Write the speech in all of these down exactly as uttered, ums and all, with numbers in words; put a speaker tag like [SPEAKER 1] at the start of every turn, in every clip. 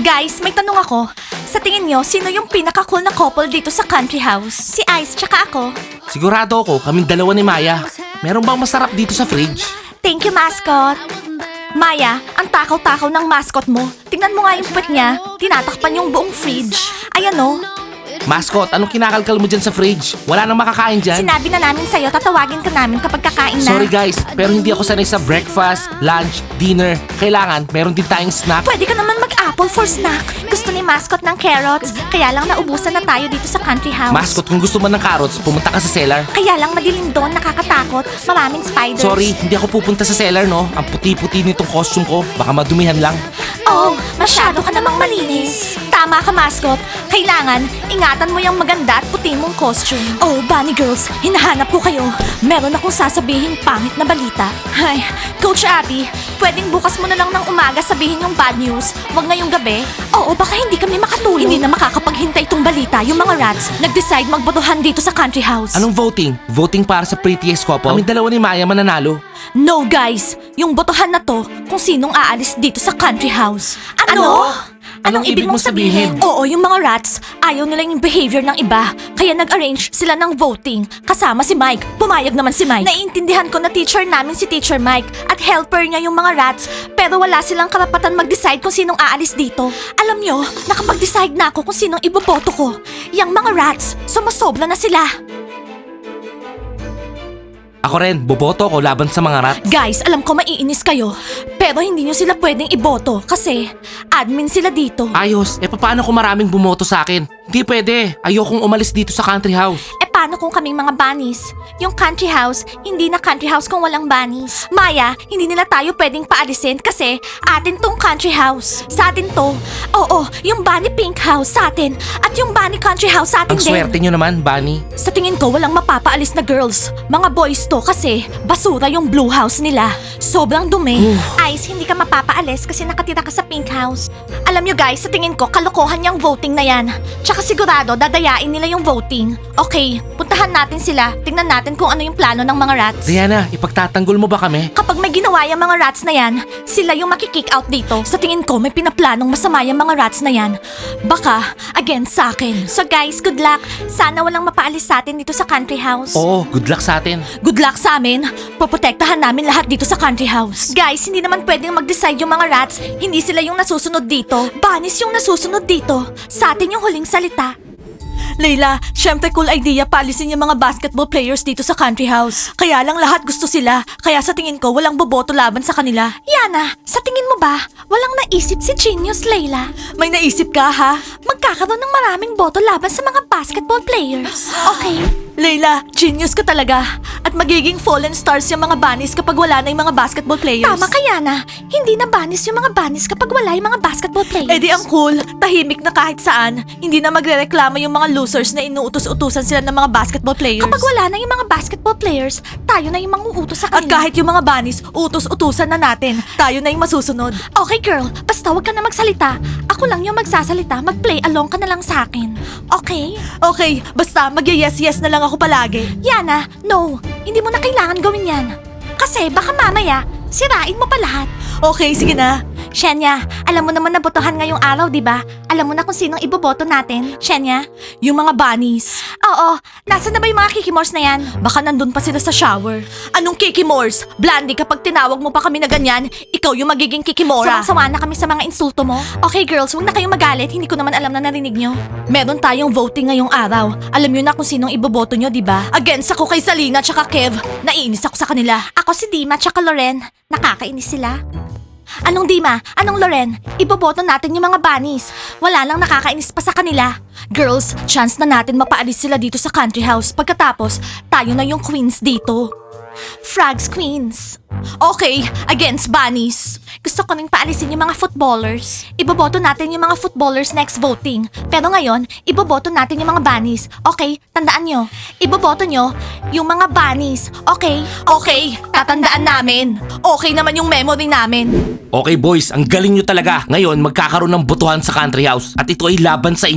[SPEAKER 1] Guys, may tanong ako. Sa tingin nyo, sino yung pinaka-cool na couple dito sa country house? Si Ice tsaka ako.
[SPEAKER 2] Sigurado ako, kaming dalawa ni Maya. Meron bang masarap dito sa fridge?
[SPEAKER 1] Thank you, mascot. Maya, ang takaw-takaw ng mascot mo. Tingnan mo nga yung puwet niya. Tinatakpan yung buong fridge. Ayan o.
[SPEAKER 2] Mascot, anong kinakalkal mo dyan sa fridge? Wala nang makakain dyan.
[SPEAKER 1] Sinabi na namin sa'yo, tatawagin ka namin kapag kakain na.
[SPEAKER 2] Sorry guys, pero hindi ako sanay sa breakfast, lunch, dinner. Kailangan, meron din tayong snack.
[SPEAKER 1] Pwede ka naman mag-apple for snack. Gusto ni mascot ng carrots. Kaya lang naubusan na tayo dito sa country house.
[SPEAKER 2] Mascot, kung gusto mo ng carrots, pumunta ka sa cellar.
[SPEAKER 1] Kaya lang madilim doon, nakakatakot. Maraming spiders.
[SPEAKER 2] Sorry, hindi ako pupunta sa cellar, no? Ang puti-puti nitong costume ko. Baka madumihan lang.
[SPEAKER 1] Oh, masyado ka namang malinis. Tama ka, mascot. Kailangan, ingatan mo yung maganda at puti mong costume. Oh, bunny girls, hinahanap ko kayo. Meron akong sasabihing pangit na balita. Ay, Coach Abby, pwedeng bukas mo na lang ng umaga sabihin yung bad news. Huwag ngayong gabi. Oo, baka hindi kami makatulog. Hindi na makakapaghintay itong balita. Yung mga rats, nag-decide magbotohan dito sa country house.
[SPEAKER 2] Anong voting? Voting para sa prettiest couple? Kaming dalawa ni Maya mananalo.
[SPEAKER 1] No, guys. Yung botohan na to kung sinong aalis dito sa country house. Ano?
[SPEAKER 2] Anong ibig mong sabihin?
[SPEAKER 1] Oo, yung mga rats, ayaw nila yung behavior ng iba. Kaya nag-arrange sila ng voting. Kasama si Mike. Pumayag naman si Mike. Naiintindihan ko na teacher namin si Teacher Mike at helper niya yung mga rats. Pero wala silang karapatan mag-decide kung sinong aalis dito. Alam nyo, nakapag-decide na ako kung sinong iboboto ko. Yang mga rats, sumusobra na sila.
[SPEAKER 2] Ako rin, boboto ko laban sa mga rat.
[SPEAKER 1] Guys, alam ko maiinis kayo. Pero hindi nyo sila pwedeng iboto kasi admin sila dito.
[SPEAKER 2] Ayos, eh paano kung maraming bumoto sa akin? Hindi pwede, ayokong umalis dito sa country house.
[SPEAKER 1] Eh paano kung kaming mga bunnies? Yung country house, hindi na country house kung walang bunnies. Maya, hindi nila tayo pwedeng paalisin kasi atin tong country house. Sa atin to. Oo, yung bunny pink house sa atin. At yung bunny country house sa atin
[SPEAKER 2] Ang
[SPEAKER 1] din.
[SPEAKER 2] swerte nyo naman, Bunny.
[SPEAKER 1] Sa tingin ko, walang mapapaalis na girls. Mga boys to kasi basura yung blue house nila. Sobrang dumi. Ice, hindi ka mapapaalis kasi nakatira ka sa pink house. Alam nyo guys, sa tingin ko, kalokohan yung voting na yan. Tsaka sigurado, dadayain nila yung voting. Okay, puntahan natin sila. Tingnan natin kung ano yung plano ng mga rats.
[SPEAKER 2] Diana, ipagtatanggol mo ba kami?
[SPEAKER 1] Kapag may ginawa yung mga rats na yan, sila yung makikick out dito. Sa tingin ko, may pinaplanong masama yung mga rats na yan. Baka, against sa akin. So guys, good luck. Sana walang mapaalis sa atin dito sa country house.
[SPEAKER 2] Oo, good luck sa atin.
[SPEAKER 1] Good luck sa amin. Poprotektahan namin lahat dito sa country house. Guys, hindi naman pwedeng mag-decide yung mga rats. Hindi sila yung nasusunod dito. Bunnies yung nasusunod dito. Sa atin yung huling salita. Layla, syempre cool idea paalisin yung mga basketball players dito sa country house. Kaya lang lahat gusto sila. Kaya sa tingin ko, walang boboto laban sa kanila. Yana, sa tingin mo ba, walang naisip si Genius, Layla? May naisip ka, ha? Magkakaroon ng maraming boto laban sa mga basketball players. Okay? Layla, genius ka talaga. At magiging fallen stars yung mga bunnies kapag wala na yung mga basketball players. Tama ka, Yana. Hindi na bunnies yung mga bunnies kapag wala yung mga basketball players. Eh di ang cool. Tahimik na kahit saan. Hindi na magrereklamo yung mga losers na inuutos-utusan sila ng mga basketball players. Kapag wala na yung mga basketball players, tayo na yung manguutos sa kanila. At kahit yung mga bunnies, utos-utusan na natin. Tayo na yung masusunod. Okay, girl. Basta wag ka na magsalita. Ako lang yung magsasalita. Mag-play along ka na lang sa akin. Okay? Okay. Basta mag-yes-yes na lang ako palagi. Yana, no. Hindi mo na kailangan gawin yan. Kasi baka mamaya, sirain mo pa lahat. Okay, sige na. Shenya, alam mo naman na botohan ngayong araw, di ba? Alam mo na kung sinong iboboto natin, Shenya? Yung mga bunnies. Oo, nasa na ba yung mga kikimors na yan? Baka nandun pa sila sa shower. Anong kikimors? Blandy, kapag tinawag mo pa kami na ganyan, ikaw yung magiging kikimora. Sawang-sawa na kami sa mga insulto mo. Okay girls, huwag na kayong magalit. Hindi ko naman alam na narinig nyo. Meron tayong voting ngayong araw. Alam nyo na kung sinong iboboto nyo, di ba? Against ako kay Salina tsaka Kev. Naiinis ako sa kanila. Ako si Dima tsaka Loren. Nakakainis sila. Anong Dima? Anong Loren? Iboboto natin yung mga bunnies. Wala lang nakakainis pa sa kanila. Girls, chance na natin mapaalis sila dito sa country house. Pagkatapos, tayo na yung queens dito. Frogs Queens. Okay, against bunnies. Gusto ko rin paalisin yung mga footballers. Iboboto natin yung mga footballers next voting. Pero ngayon, iboboto natin yung mga bunnies. Okay, tandaan nyo. Iboboto nyo yung mga bunnies. Okay? Okay, tatandaan namin. Okay naman yung memory namin.
[SPEAKER 2] Okay boys, ang galing nyo talaga. Ngayon, magkakaroon ng botohan sa country house. At ito ay laban sa inyo.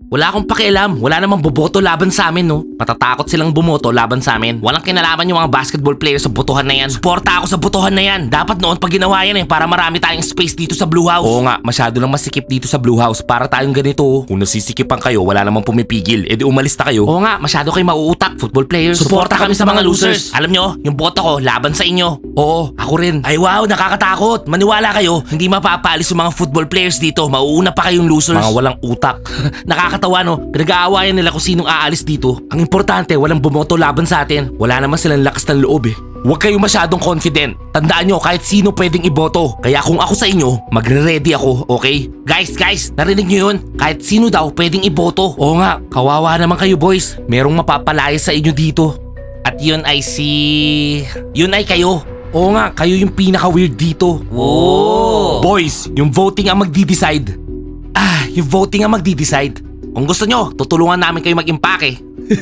[SPEAKER 2] Wala akong pakialam. Wala namang boboto laban sa amin, no? Matatakot silang bumoto laban sa amin. Walang kinalaman yung mga basketball players sa botohan na yan. Suporta ako sa botohan na yan. Dapat noon pag ginawa yan eh, para marami tayong space dito sa Blue House. Oo nga, masyado lang masikip dito sa Blue House para tayong ganito. Oh. Kung nasisikipan kayo, wala namang pumipigil. E di umalis na kayo. Oo nga, masyado kayo mauutak, football players. Suporta kami sa mga losers. Alam nyo, yung boto ko, laban sa inyo. Oo, ako rin. Ay wow, nakakatakot. Maniwala kayo, hindi mapapaalis yung mga football players dito. Mauuna pa kayong losers. Mga walang utak. Nakakatawa no, pinag-aawayan nila kung sinong aalis dito. Ang importante, walang bumoto laban sa atin. Wala naman silang lakas ng loob eh. Huwag kayo masyadong confident. Tandaan nyo, kahit sino pwedeng iboto. Kaya kung ako sa inyo, magre-ready ako, okay? Guys, guys, narinig nyo yun? Kahit sino daw pwedeng iboto. Oo nga, kawawa naman kayo boys. Merong mapapalaya sa inyo dito. At yun ay si... Yun ay kayo. Oo nga, kayo yung pinaka-weird dito. Whoa! Boys, yung voting ang magdi-decide. Ah, yung voting ang magdi-decide. Kung gusto nyo, tutulungan namin kayo mag-impake.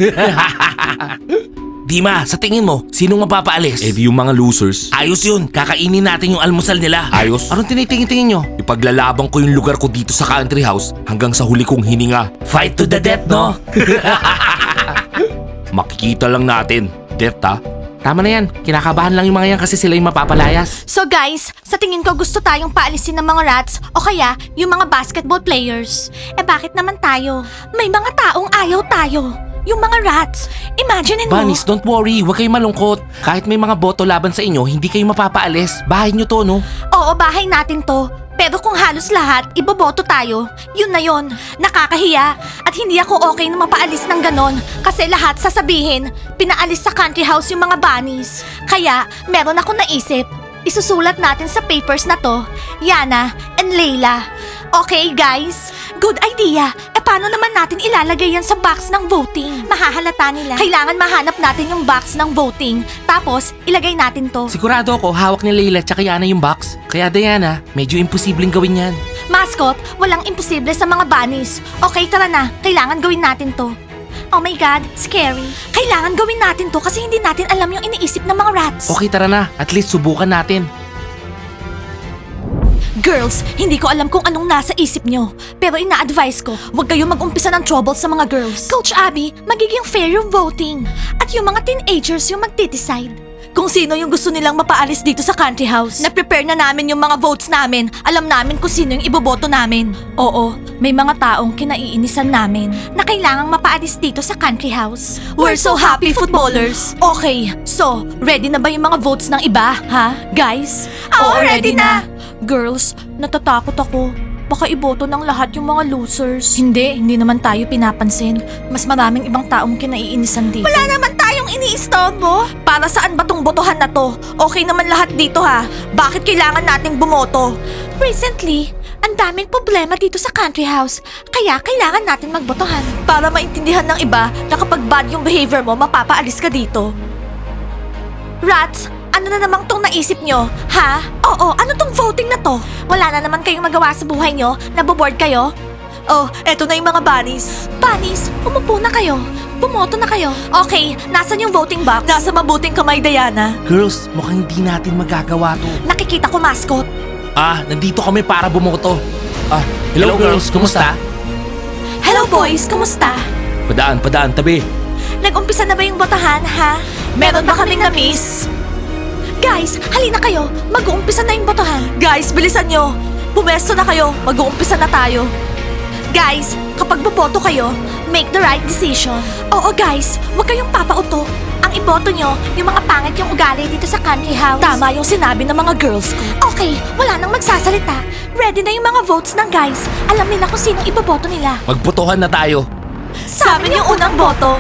[SPEAKER 2] Dima, sa tingin mo, sinong mapapaalis? Eh di yung mga losers. Ayos yun, kakainin natin yung almusal nila. Ayos? Anong tinitingin-tingin nyo? Ipaglalabang ko yung lugar ko dito sa country house hanggang sa huli kong hininga. Fight to the death, no? Makikita lang natin. Death, ha? Tama na yan, kinakabahan lang yung mga yan kasi sila yung mapapalayas.
[SPEAKER 1] So guys, sa tingin ko gusto tayong paalisin ng mga rats o kaya yung mga basketball players. Eh bakit naman tayo? May mga taong ayaw tayo. Yung mga rats. Imagine mo.
[SPEAKER 2] Bunnies, don't worry, huwag kayong malungkot. Kahit may mga boto laban sa inyo, hindi kayo mapapaalis. Bahay nyo to, no?
[SPEAKER 1] Oo, bahay natin to. Pero kung halos lahat, iboboto tayo, yun na yun. Nakakahiya. At hindi ako okay na mapaalis ng ganon. Kasi lahat sasabihin, pinaalis sa country house yung mga bunnies. Kaya, meron ako naisip. Isusulat natin sa papers na to, Yana and Layla. Okay, guys? Good idea. E paano naman natin ilalagay yan sa box ng voting? Mahahalata nila. Kailangan mahanap natin yung box ng voting. Tapos, ilagay natin to.
[SPEAKER 2] Sigurado ako, hawak ni Layla tsaka Yana yung box. Kaya Diana, medyo imposibleng gawin yan.
[SPEAKER 1] Mascot, walang imposible sa mga bunnies. Okay, tara na. Kailangan gawin natin to. Oh my God, scary. Kailangan gawin natin to kasi hindi natin alam yung iniisip ng mga rats.
[SPEAKER 2] Okay, tara na. At least subukan natin.
[SPEAKER 1] Girls, hindi ko alam kung anong nasa isip nyo. Pero ina-advise ko, huwag kayong mag-umpisa ng trouble sa mga girls. Coach Abby, magiging fair yung voting. At yung mga teenagers yung magde-decide. Kung sino yung gusto nilang mapaalis dito sa country house. Na-prepare na namin yung mga votes namin. Alam namin kung sino yung iboboto namin. Oo, may mga taong kinaiinisan namin na kailangang mapaalis dito sa country house. We're so happy, footballers! Okay, so, ready na ba yung mga votes ng iba, ha? Guys? Oo, ready na! Girls, natatakot ako. Baka iboto ng lahat yung mga losers. Hindi, hindi naman tayo pinapansin. Mas maraming ibang taong kinaiinisan dito. Wala naman tayong iniistorbo. Para saan ba tong botohan na to? Okay naman lahat dito ha. Bakit kailangan nating bumoto? Recently, ang daming problema dito sa country house. Kaya kailangan natin magbotohan. Para maintindihan ng iba na kapag bad yung behavior mo, mapapaalis ka dito. Rats, ano na namang tong naisip nyo? Ha? Oo, ano tong voting na to? Wala na naman kayong magawa sa buhay nyo? Naboboard kayo? Oh, eto na yung mga bunnies. Bunnies, umupo na kayo. Bumoto na kayo. Okay, nasan yung voting box? Nasa mabuting kamay, Diana.
[SPEAKER 2] Girls, mukhang hindi natin magagawa to.
[SPEAKER 1] Nakikita ko, mascot.
[SPEAKER 2] Ah, nandito kami para bumoto. Ah, hello, girls, kumusta?
[SPEAKER 1] Hello, boys, kumusta?
[SPEAKER 2] Padaan, padaan, tabi.
[SPEAKER 1] Nag-umpisa na ba yung botahan, ha? Meron ba kaming na-miss? Guys, halina kayo. Mag-uumpisa na yung botohan. Guys, bilisan nyo. Pumesto na kayo. Mag-uumpisa na tayo. Guys, kapag boboto kayo, make the right decision. Oo guys, huwag kayong papauto. Ang iboto nyo, yung mga pangit yung ugali dito sa country house. Tama yung sinabi ng mga girls ko. Okay, wala nang magsasalita. Ready na yung mga votes ng guys. Alam nila kung sinong iboboto nila.
[SPEAKER 2] Magbotohan na tayo.
[SPEAKER 1] Sa amin yung unang boto.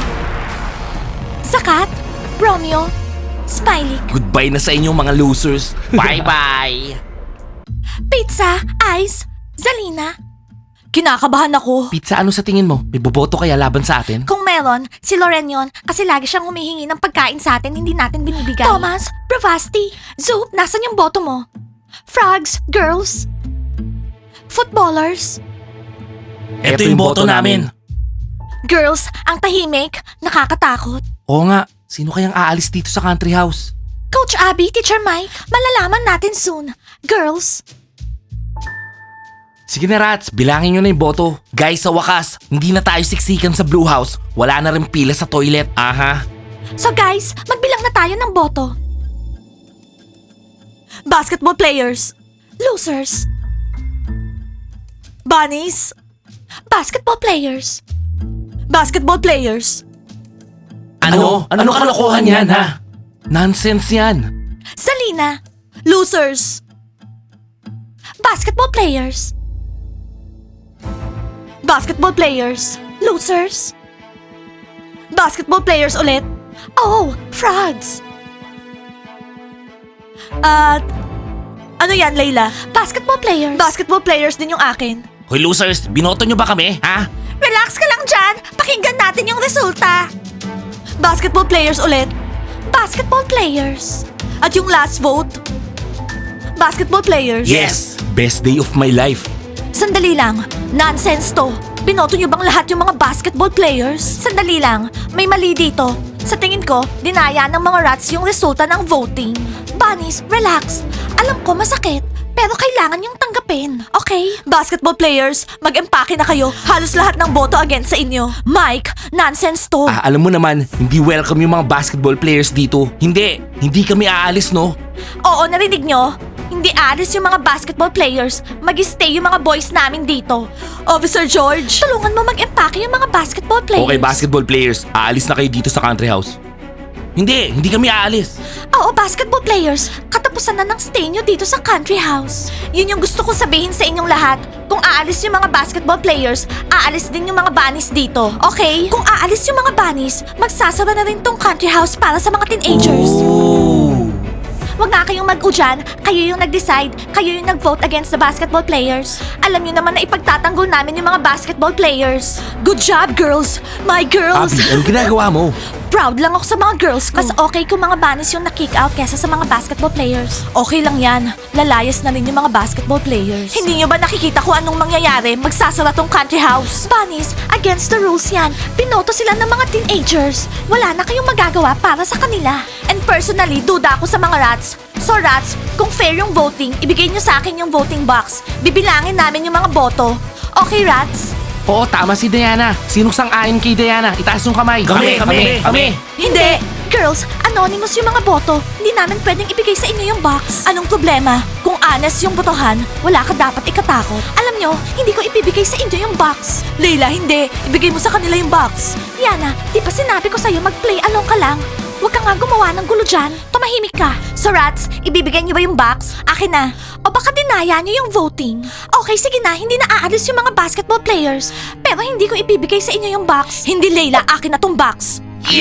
[SPEAKER 1] Zakat, Romeo, Smiley.
[SPEAKER 2] Goodbye na sa inyo mga losers. Bye-bye.
[SPEAKER 1] Pizza, Ice, Zalina. Kinakabahan ako.
[SPEAKER 2] Pizza, ano sa tingin mo? May boboto kaya laban sa atin?
[SPEAKER 1] Kung meron, si Loren yun kasi lagi siyang humihingi ng pagkain sa atin, hindi natin binibigay. Thomas, Bravasti, Zoop, nasan yung boto mo? Frogs, girls, footballers.
[SPEAKER 2] Ito yung boto namin.
[SPEAKER 1] Girls, ang tahimik, nakakatakot.
[SPEAKER 2] Oo nga, sino kayang aalis dito sa country house?
[SPEAKER 1] Coach Abby, Teacher Mike, malalaman natin soon. Girls,
[SPEAKER 2] Sige na rats, bilangin nyo na yung boto. Guys, sa wakas, hindi na tayo siksikan sa Blue House. Wala na rin pila sa toilet. Aha.
[SPEAKER 1] So guys, magbilang na tayo ng boto. Basketball players. Losers. Bunnies. Basketball players. Basketball players.
[SPEAKER 2] Ano? Ano, kalokohan yan, ha? Nonsense yan.
[SPEAKER 1] Salina. Losers. Basketball players. Basketball players. Losers. Basketball players ulit. Oh, frogs. At ano yan, Layla? Basketball players. Basketball players din yung akin.
[SPEAKER 2] Hoy losers, binoto nyo ba kami, ha?
[SPEAKER 1] Relax ka lang dyan. Pakinggan natin yung resulta. Basketball players ulit. Basketball players. At yung last vote. Basketball players.
[SPEAKER 2] Yes! Best day of my life.
[SPEAKER 1] Sandali lang. Nonsense to. Binoto niyo bang lahat yung mga basketball players? Sandali lang. May mali dito. Sa tingin ko, dinaya ng mga rats yung resulta ng voting. Bunnies, relax. Alam ko masakit, pero kailangan yung tanggapin. Okay? Basketball players, mag-empake na kayo. Halos lahat ng boto against sa inyo. Mike, nonsense to.
[SPEAKER 2] Ah, alam mo naman, hindi welcome yung mga basketball players dito. Hindi, hindi kami aalis, no?
[SPEAKER 1] Oo, narinig nyo? Hindi alis yung mga basketball players. Mag-stay yung mga boys namin dito. Officer George, tulungan mo mag-empake yung mga basketball players.
[SPEAKER 2] Okay, basketball players, aalis na kayo dito sa country house. Hindi, hindi kami aalis.
[SPEAKER 1] Oo, basketball players. Katapusan na ng stay nyo dito sa country house. Yun yung gusto kong sabihin sa inyong lahat. Kung aalis yung mga basketball players, aalis din yung mga bunnies dito. Okay? Kung aalis yung mga bunnies, magsasara na rin tong country house para sa mga teenagers. Huwag nga kayong mag-u dyan. Kayo yung nag-decide. Kayo yung nag-vote against the basketball players. Alam niyo naman na ipagtatanggol namin yung mga basketball players. Good job, girls! My girls!
[SPEAKER 2] Abby, anong ginagawa mo?
[SPEAKER 1] Proud lang ako sa mga girls ko. Mas okay kung mga bunnies yung na-kick out kesa sa mga basketball players. Okay lang yan. Lalayas na rin yung mga basketball players. Hindi nyo ba nakikita kung anong mangyayari? Magsasara tong country house. Bunnies, against the rules yan. Binoto sila ng mga teenagers. Wala na kayong magagawa para sa kanila. And personally, duda ako sa mga rats. So rats, kung fair yung voting, ibigay nyo sa akin yung voting box. Bibilangin namin yung mga boto. Okay, rats?
[SPEAKER 2] Oo, tama si Diana. Sinong sang-ayon kay Diana? Itaas yung kamay.
[SPEAKER 3] Kami, kami, kami.
[SPEAKER 1] Hindi! Girls, anonymous yung mga boto. Hindi namin pwedeng ibigay sa inyo yung box. Anong problema? Kung honest yung botohan, wala ka dapat ikatakot. Alam nyo, hindi ko ibibigay sa inyo yung box. Leila, hindi. Ibigay mo sa kanila yung box. Yana, di ba sinabi ko sa'yo mag-play along ka lang? Huwag ka nga gumawa ng gulo dyan. Tumahimik ka. So rats, ibibigay niyo ba yung box? Akin na. O baka dinaya niyo yung voting. Okay, sige na. Hindi na aalis yung mga basketball players. Pero hindi ko ibibigay sa inyo yung box. Hindi, Leila. Akin na tong box.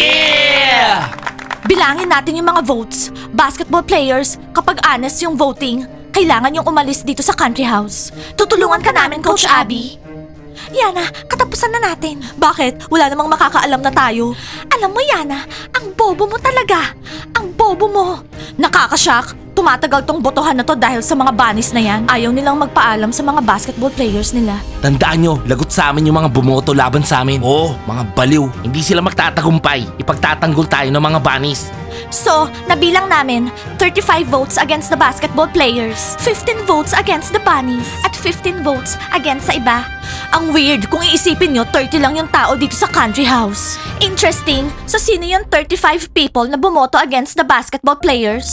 [SPEAKER 2] Yeah!
[SPEAKER 1] Bilangin natin yung mga votes. Basketball players, kapag honest yung voting, kailangan yung umalis dito sa country house. Tutulungan ka namin, Coach Abby. Yana, katapusan na natin. Bakit? Wala namang makakaalam na tayo. Alam mo, Yana, ang bobo mo talaga. Ang bobo mo. Nakakashock. Tumatagal tong botohan na to dahil sa mga bunnies na yan. Ayaw nilang magpaalam sa mga basketball players nila.
[SPEAKER 2] Tandaan nyo, lagot sa amin yung mga bumoto laban sa amin. Oo, mga baliw. Hindi sila magtatagumpay. Ipagtatanggol tayo ng mga bunnies.
[SPEAKER 1] So, nabilang namin, thirty-five votes against the basketball players, fifteen votes against the bunnies, at fifteen votes against sa iba. Ang weird, kung iisipin nyo, thirty lang yung tao dito sa country house. Interesting, so sino yung thirty-five people na bumoto against the basketball players?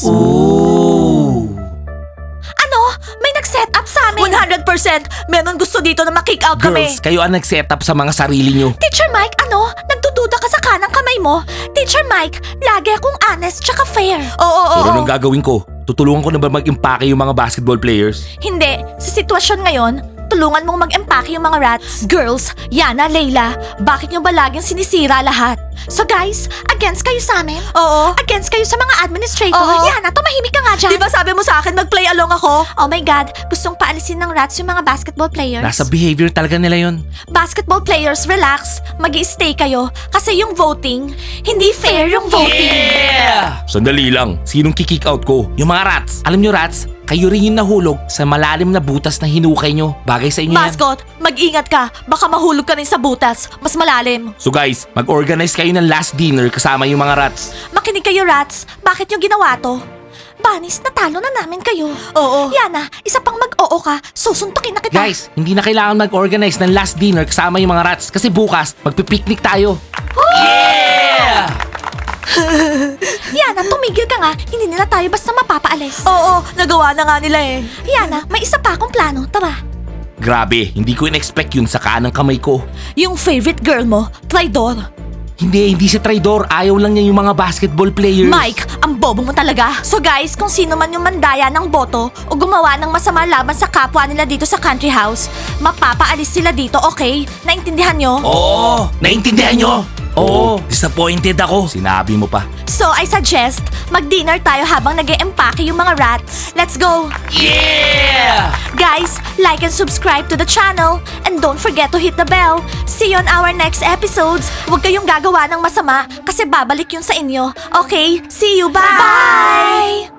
[SPEAKER 2] Ooh.
[SPEAKER 1] Ano? May nag-set up sa amin? one hundred percent! Meron gusto dito na makick out kami.
[SPEAKER 2] Girls, kayo ang nag-set up sa mga sarili nyo.
[SPEAKER 1] Teacher Mike, ano? Nagdududa ka sa kanang kamay mo? Teacher Mike, lagi akong honest tsaka fair. Oo, oo,
[SPEAKER 2] Pero
[SPEAKER 1] oo.
[SPEAKER 2] anong gagawin ko? Tutulungan ko na ba mag-impake yung mga basketball players?
[SPEAKER 1] Hindi. Sa sitwasyon ngayon, tulungan mong mag-empake yung mga rats. Girls, Yana, Layla, bakit nyo ba laging sinisira lahat? So guys, against kayo sa amin? Oo. Against kayo sa mga administrators?
[SPEAKER 4] Oo.
[SPEAKER 1] Yana, tumahimik ka nga dyan.
[SPEAKER 4] Di ba sabi mo sa akin mag-play along ako?
[SPEAKER 1] Oh my God, gustong paalisin ng rats yung mga basketball players.
[SPEAKER 2] Nasa behavior talaga nila yon.
[SPEAKER 1] Basketball players, relax. Mag-i-stay kayo. Kasi yung voting, hindi fair yung voting.
[SPEAKER 2] Sandali lang, sinong kikick out ko? Yung mga rats. Alam nyo rats, kayo rin yung nahulog sa malalim na butas na hinukay nyo. Bagay sa inyo yan.
[SPEAKER 4] Mascot, mag-ingat ka. Baka mahulog ka rin sa butas. Mas malalim.
[SPEAKER 2] So guys, mag-organize kayo ng last dinner kasama yung mga rats.
[SPEAKER 1] Makinig kayo, rats. Bakit yung ginawa to? Bunnies, natalo na namin kayo.
[SPEAKER 4] Oo.
[SPEAKER 1] Yana, isa pang mag oo ka, susuntukin na kita.
[SPEAKER 2] Guys, hindi na kailangan mag-organize ng last dinner kasama yung mga rats kasi bukas magpipiknik tayo. Yeah!
[SPEAKER 1] Yana, tumigil ka nga. Hindi nila tayo basta mapapaalis.
[SPEAKER 4] Oo, nagawa na nga nila eh.
[SPEAKER 1] Yana, may isa pa akong plano. Tara.
[SPEAKER 2] Grabe, hindi ko in-expect yun sa kanang kamay ko.
[SPEAKER 4] Yung favorite girl mo, traidor.
[SPEAKER 2] Hindi, hindi siya traidor. Ayaw lang niya yung mga basketball players.
[SPEAKER 1] Mike, ang bobo mo talaga. So guys, kung sino man yung mandaya ng boto o gumawa ng masama laban sa kapwa nila dito sa country house, mapapaalis sila dito, okay? Naintindihan nyo?
[SPEAKER 2] Oo, naintindihan nyo? Oo, disappointed ako. Sinabi mo pa.
[SPEAKER 1] So I suggest, mag-dinner tayo habang nag-e-empake yung mga rats. Let's go!
[SPEAKER 2] Yeah!
[SPEAKER 1] Guys, like and subscribe to the channel. And don't forget to hit the bell. See you on our next episodes. Huwag kayong gagawa ng masama kasi babalik yun sa inyo. Okay? See you. Bye! Bye!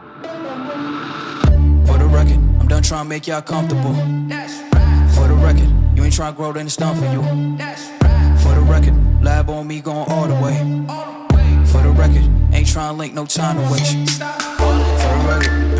[SPEAKER 3] For the record, I'm done trying to make y'all comfortable. For the record, you ain't trying to grow, then it's done for you. For the record, lab on me going all the way. For the record, ain't trying to link, no time to waste. For the record.